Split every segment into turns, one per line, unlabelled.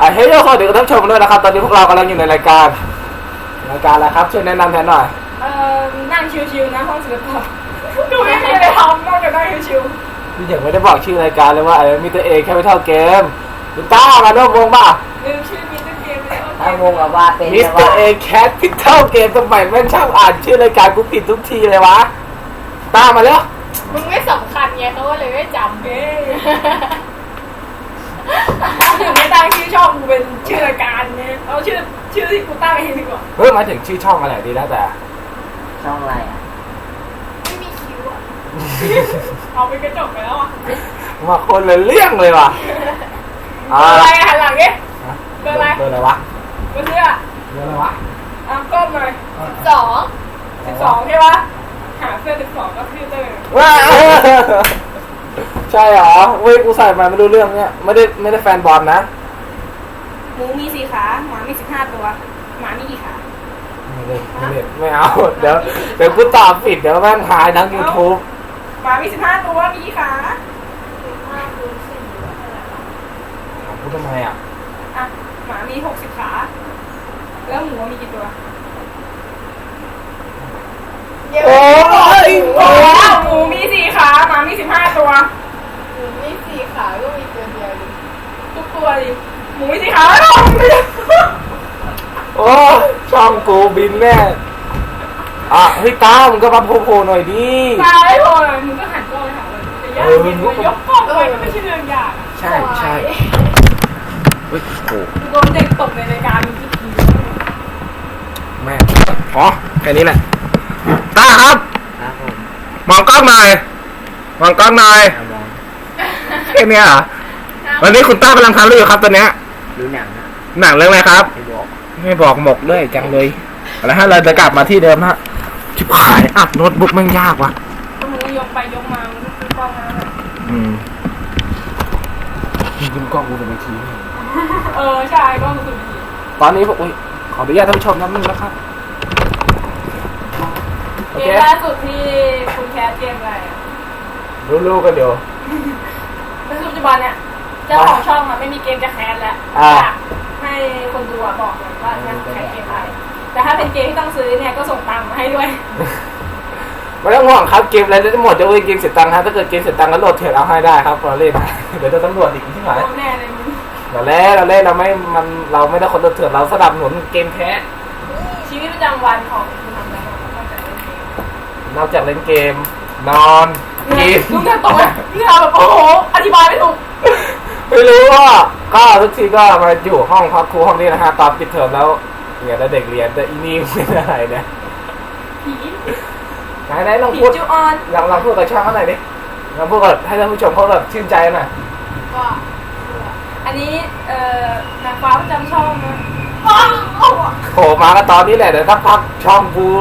เฮ้ยสวัสดีท่านผู้ชมด้วยนะครับตอนนี้พวกเรากำลังอยู่ในรายการอะไรครับช่วยแนะนำแทนหน่อย
นั่งชิวๆนะห้องศิลปะดูไม่มีอะไรทำนอกจากนั่งชิว
พี่เด็กไม่ได้บอกชื่อรายการเลยว่ามีตัวเอแค่ไม่เท่าเกมคุณต้ามาร่วมวงป่ะ
ลืมชื่อมิสเตอร์เกมไปแล้ว
ถ้างงกับว่าเป็น
มิสเตอร์เอแคทพิทเท่าเกมสมัยแม่งชอบอ่านชื่อรายการกูผิดทุกทีเลยวะต้ามาแล้ว
มึงไม่สำคัญไงเขาก็เลยไม่จำถึงไม่ตั้งชื่อช่องกูเป็นชื่อรายการเนี่ยเอาชื่อที่กูตั้งเองดีกว่า
หมายถึงชื่อช่องอะไรดีแล้วแต่
ช่องอะไรอ่ะ
ไม่มีคิวอ่ะเอาไปกระจกไปแล้วอ่ะ
มาคนละเรื่องเลยว่ะ
อะไรหันหลังเนี่ยเบอร์อะไร
เบอร์อะไรวะ
เบอร์เสื้อ
เบอร์อะไรวะ
ก้มหน่อย12ใช่ปะหาเสื้อ12ก็คือเตอร์
ว้าใช่เหรอเว้ยกูใส่มาไม่รู้เรื่องเนี่ยไม่ได้แฟนบอลนะ
หมูมี4ขาหมามี15ตัวหมามีกี่ขา
ไม่เอาเดี๋ยวกูตอบผิดเดี๋ยวแม่งหายทั้ง YouTube
หมามี15ตัวมีกี่ขา
ถามกูทำไมอ่ะ
หมามี60ขาแล้วหมูมีกี่ตัว
โอ้ย
หมูมี4ขาหมามี15ตัว
หมูมี4ขาก็มีตัวเดียวดิ
ทุกตัวดิหมูมี4ขา
โอ้ช่องกูบินแน่เฮ้ยตามึงก็มาโผล่หน่อยดิ
ตาไม่โผล่เลยมึงก็หันกล้องไปหาเลยมึงยกกล้องไปก็ไม่ใช่เรื่องยาก
ใช่เฮ้ยโอ้
โดนเด็กตบในรายการที่ที
แม่แค่นี้แหละตาครับมองกล้องหน่อยแค่นี้เหรอวันนี้คุณต้ากำลังทำอะไรอยู่ครับตอนเนี้ย
ดูหนัง
เรื่องอะไรครับไม่บอกหมกด้วยจังเลยอะไรฮะเราจะกลับมาที่เดิมฮะชิบหายอัดโน้ตบุ๊กมันยากว่ะ
มึงยกไปยกมามึงซื้อกล้องมา
คุณกล้องกูจะไปที
ใช่กล้องกูจะไปที
ตอนนี้ผมขออนุญาตท่านผู้ชมนิดนึงนะครับ
เกมล่าสุดที่คุณแคสเกมอะไร
รู้กันเดี๋ยว
ในปัจจุบันเนี่ยเจ้าของช่องไม่มีเกมจะแคสแล้วให้คนดูบอกเลยว่าจะแคสเกมอะไรแต่ถ้าเป็นเกมที่ต้องซื้อเนี่ยก็ส่งตังค์มาให้ด้วย
ไม่ต้องห่วงครับเกมอะไรจะหมดจะเว้ยเกมเสียตังค์ครับถ้าเกิดเกมเสียตังค์ก็โหลดเถื่อนเอาให้ได้ครับเราเล่นเดี๋ยวจะตำรวจอีกที่ไหน
แน่เลยมึง
เราเล่นเราไม่ได้คนโหลดเถื่อนเราสนับสนุนเกมแท้
ชีวิตประจำวันของคุณทำอะไร
นอกจากเล่นเกมนอนกิน
มึงจะตกไหมนี่เราแบบโอ้โหอธิบายไม่ถูก
ไม่รู้ว่าก็ทุกทีก็มาอยู่ห้องพักครูห้องนี้นะฮะตอนปิดเทอมแล้วเนี่ยแล้วเด็กเรียนแต่อีนี่เป็นอะไรเนี่ยไหนลองพูดลองพูดกับช่างเขาหน่อยดิลองพูดกับให้ท่านผู้ชมเขาแบบชื่นใจหน่อย
ว่าอันนี้นางฟ้าประจำช่องนะ
โผล่มาก็ตอนนี้แหละเดี๋ยวถ้าพักช่องกู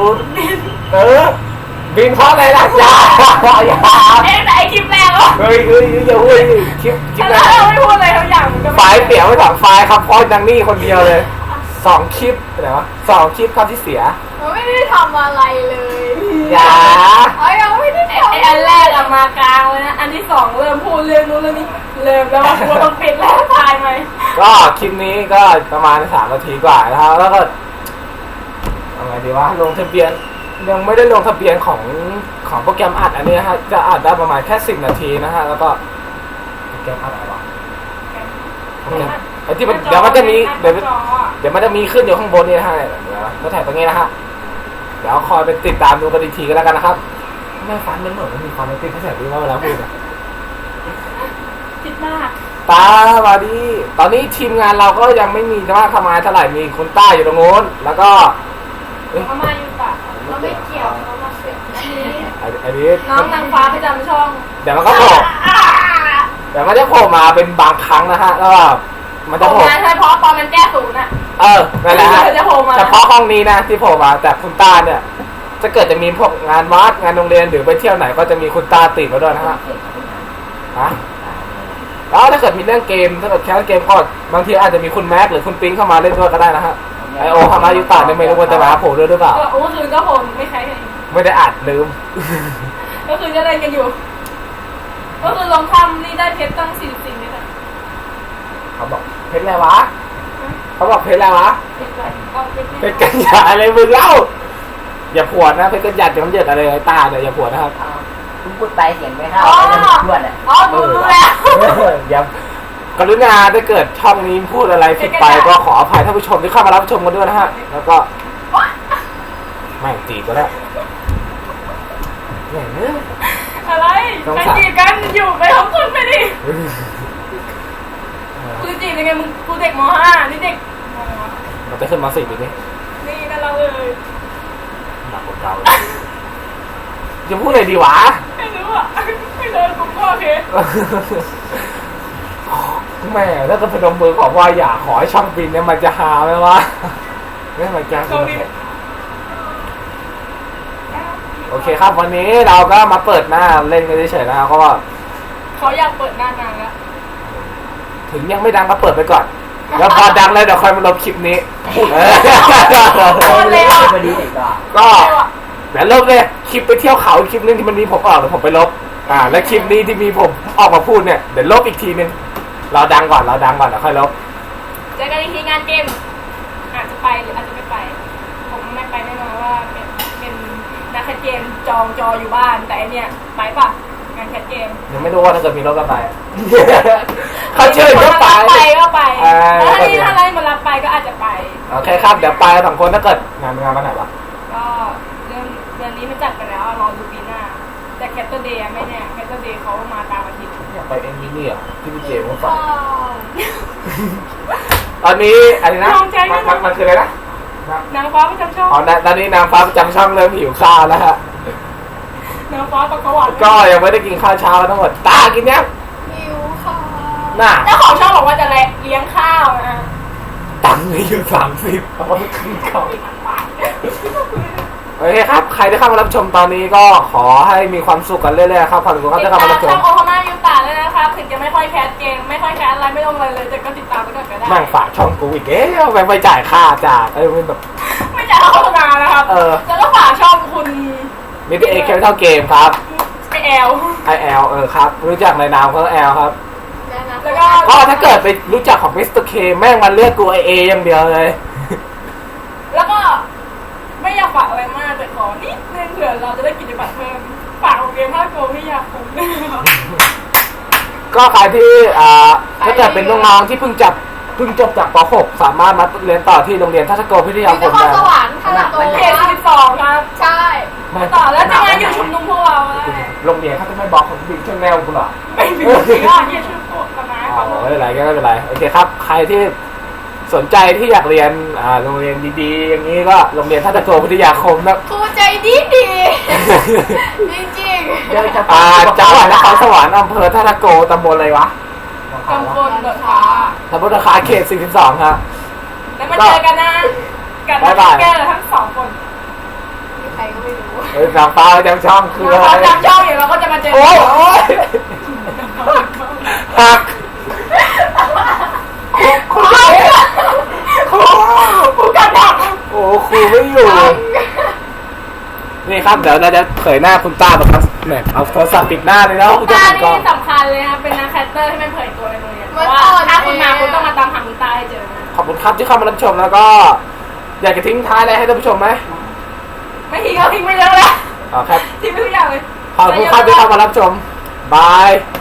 บินเพราะอะไรล่ะอย่า
แต่ไอคลิปแรกวะ
เฮ้ยอย่าพูดคลิป
แรกเราไม่พูดอะไรทุกอย่าง
ไฟล์เปลี่ยนไม่ถอดไฟล์ครับเพราะดังนี่คนเดียวเลย2 คลิปอะไรวะ2 คลิปครับที่เสีย
ไม่ได้ทำอะไรเลย
อย่า
ยังไม่ได้ทำ
อันแรกมากลางเลยนะอันที่2เริ่มพูดเรื่องนู้นเรื่องนี้เริ่มแล้วว่ากูต้องปิดแล้วถ่ายไหม
ก็คลิปนี้ก็ประมาณ3 นาทีกว่านะครับแล้วก็อะไรดีวะลงทะเบียนยังไม่ได้ลงทะเบียนของโปรแกรมอัดอันนี้นะฮะจะอัดได้ประมาณแค่10 นาทีนะฮะแล้วก็โปรแกรมอัดอะไรวะไอ้ที่เดี๋ยวมันจะมีเดี๋ยวมันจะมีขึ้นอยู่ข้างบนนี่นะฮะก็ถ่ายตรงนี้นะฮะเดี๋ยวคอยไปติดตามดูกันอีกทีก็แล้วกันนะครับไม่ฟันมันเหมือนมันมีความติดแค่ไหนว่าเวลาพูดอะ
ติดมาก
ตามาดีตอนนี้ทีมงานเราก็ยังไม่มีว่าทำงานเท่าไหร่มีคุณต้าอยู่ตรงโน้นแล้วก็
เขามาอยู่ปะเราไม่เกี่ยวเขามาเสีย
อันนี้
น้องนางฟ้าประจำช่อง
เดี๋ยวมันก็โผล่เดี๋ยวมันจะโผล่มาเป็นบางครั้งนะฮะแล้วมันจะโผล่
ใช่เพราะตอนมันแก้ศูนย์อ่ะ
นั่นแหละฮะเฉพาะห้องนี้นะที่โผล่มาแต่คุณต้าเนี่ยจะเกิดจะมีพวกงานวัดงานโรงเรียนหรือไปเที่ยวไหนก็จะมีคุณต้าติดมาด้วยนะฮะแล้วถ้าเกิดมีเรื่องเกมถ้าเกิดแคสเกมก็บางทีอาจจะมีคุณแม็กหรือคุณปิ๊งเข้ามาเล่นด้วยก็ได้นะฮะไอโอฮามายุตะเนี่ยไม่รู้ว่าจะมาโผล่ด้วยหรือเปล่า
โอ้คืนก็โผล่ไม่ใช่
ไม่ได้อัดลืม
ก็คือจะเล่นกันอยู่ก็คือลองทำนี่ได้เพชรตั้ง44เมตร
เขาบอกเพชรอะไรวะเขาบอกเพชรแล้ววะ
เป็น
เพชรกันหยาดอะไรมึงเล่าอย่าผวดนะเพชรกันหยาดจะมันเย็ดอะไรไอ้ตาเนี่ยอย่าผวดนะครับ
อ้าวเพิ่งพูดไปเสียงไม่เข้าไม่ได้พูดอ่ะ
อ๋อดูแล้ว
อย่ากรุณาถ้าเกิดช่องนี้พูดอะไรผิดไปก็ขออภัยท่านผู้ชมที่เข้ามารับชมกันด้วยนะฮะแล้วก็ไม่จีบก็แล้วเนี่ย
อะไรใครจีบกันอยู่ไปทั้งคนไปดิกูจีบยังไงมึงกูเด็กม.5 นี่เด็กม.
เราจะขึ้นมาสิปีนี้
นี่นั่นเราเลย
หนักกว่าเก่าจะพูดอะไรดีวะ
ไม่รู้อ่ะไม่เดินกูก็โอเค
แม่ถ้าจะพนมมือขอว่าอย่าขอให้ช่องบินเนี่ยมันจะหาไหมวะไม่มันจะโอเคครับวันนี้เราก็มาเปิดหน้าเล่นกันเฉยๆนะครับเพราะว่า
เขาอยากเปิดหน้านางแล้ว
ถึงยังไม่ดังก็เปิดไปก่อนแล้วพอดังแล้วเดี๋ยวค่อยมาลบคลิปนี้
พอดีเด็กก็
ก็เดี๋ยวลบเลยคลิปไปเที่ยวเขาคลิปนึงที่มันมีผมออกเดี๋ยวผมไปลบแล้วคลิปนี้ที่มีผมออกมาพูดเนี่ยเดี๋ยวลบอีกทีนึงเราดังก่อนเดี๋ยวค่อยลบ
เจอกันอีกทีงานเกมอาจจะไปหรืออาจจะไม่ไปผมไม่ไปแน่นอนว่าเป็นนักแคสเกมจองจออยู่บ้านแต่อันเนี่ยไปป่ะงานแคสเกม
ยังไม่รู้ว่าถ้าเกิดมีรถก็ไป เขาเชิญก็ไป
ก็ไป
ก็
ถ้า
ดี
นี่ถ้าอะไรมารับไปก็อาจจะไป
โอเคครับเดี๋ยวไปสองคนถ้าเกิดงานวันไหนวะ
ก็เดือนนี้มันจัดไปแล้วรอดูปีหน้าแต่แคทเตอร์เดย์ไม่แน่แคทเตอร์เดย์เขามาตามอาทิตย์
อยากไปเอ็นนี่เหรอที่พี่เจมส์ฝากตอนนี้อะไรนะมันคืออะไรนะ
นางฟ้าประจำช่อง
อ๋อตอนนี้นางฟ้าประจำช่องเริ่มหิวข้าวแล้วฮะ
นางฟ้าประกวด
ก็ยังไม่ได้กินข้าวเช้าทั้งหมดตากินยัง
หิวค่ะ
น่ะ
เจ้าของช่องบอกว่าจะเลี้ยงข้าวนะ
ตังค์มีอยู่30เอาไปกินข้าวโอเคครับใครที่เข้ามารับชมตอนนี้ก็ขอให้มีความสุขกันเรื่อยๆครับขอบคุณครับ
ติด
ที่เข้า
ตาม
มารับช
ช่อ
ม
งโอฮาม่ายูตาเลยนะครับถึงจะไม่ค่อยแคสเกมไม่ค่อยแคสอะไรไม่ลงเลยแต่ก็ติดตามไปก่อนก็ได้
แม่งฝากช่องกูอีกไปจ่ายค่าจากเป็นแบบ
ไม่จ่ายโฆษณานะครับแล้วก็ฝากช่องคุณ
มิติเอเคเท่าเกมครับ
ไอแอล
IL ครับรู้จักในนามเขาแอลครับ
แล้วก็
ก็ถ้าเกิดไปรู้จักของมิสเตอร์เคแม่งมันเรียกกูไอเออย่างเดียวเลย
แล้วก็ไม่อยากฝากอะไรมากแต่ขอนิดนึงเผื่อเราจะได้กิจบัตรเพิ่มฝากเกมภาคโกไม่อยากคุ้ม
ก็ใครที่ถ้าเกิดเป็นน้องๆที่เพิ่งจบจากป .6 สามารถมาเรียนต่อที่โรงเรียนทัศโกพิทยาค
น
ม
คร
ได้
สวรรค์ค่ะตัว
เขต12ครับ
ใช่
ต่อแล้วจะมาอยู่ชุมนุมพวกเราได้
โรงเรียนเขาจะไม่บอกของบิ๊กช่างแนวกูหรอ
ไม่มีสิ่งที่จะช่วยโปรดกันนะ
อ๋อไม่เป็นไรก็ไม่เป็นไรโอเคครับใครที่สนใจที่อยากเรียนโรงเรียนดีๆอย่างนี้ก็โรงเรียนทัศโกพิทยาคมนะ
ครูใจดีจริง
เดี๋ยวจะ
จังหวัดนครสวรรค์อำเภอทัศโกตำบลอะไรวะ
กำปนเดือดฟ้า
ตำบลราคาเขต42ครับ
แล้วมาเจอกันนะกันแก้ทั้งสองคน
ๆมีใครก็ไม่รู้
นางฟ้าประจำช่องคืออะไร
เราจำช่องอยู่เราก็จะมาเจอ
โอ้ยหักครูกันดักโอ้ครูไม่อยู่นี่ครับเดี๋ยวเราจะเผยหน้าคุณต้าครับเนี่ยเอาโทรศัพท์ปิดหน้าเลยแล้วคุณจะ
ตา
ปิดกล้
นี่
อง
สำคัญเลยครับเป็นนักแคสเตอร์ที่ไม่เผยตัวในโรงเรียนเพราะว่าถ้าคุณมาคุณต้องมาตามหาคุณตาให้เจอนะ
ขอบคุณครับที่เข้ามารับชมแล้วก็ อยากจะทิ้งท้ายอะไรให้ท่านผู้ชมไหม
ไม่ทิ้งก็ทิ้งไปเยอะแล้ว
ครับ
ทิ้งไปทุกอย่างเลย
ขอบคุณครับที่เข้ามารับชมบาย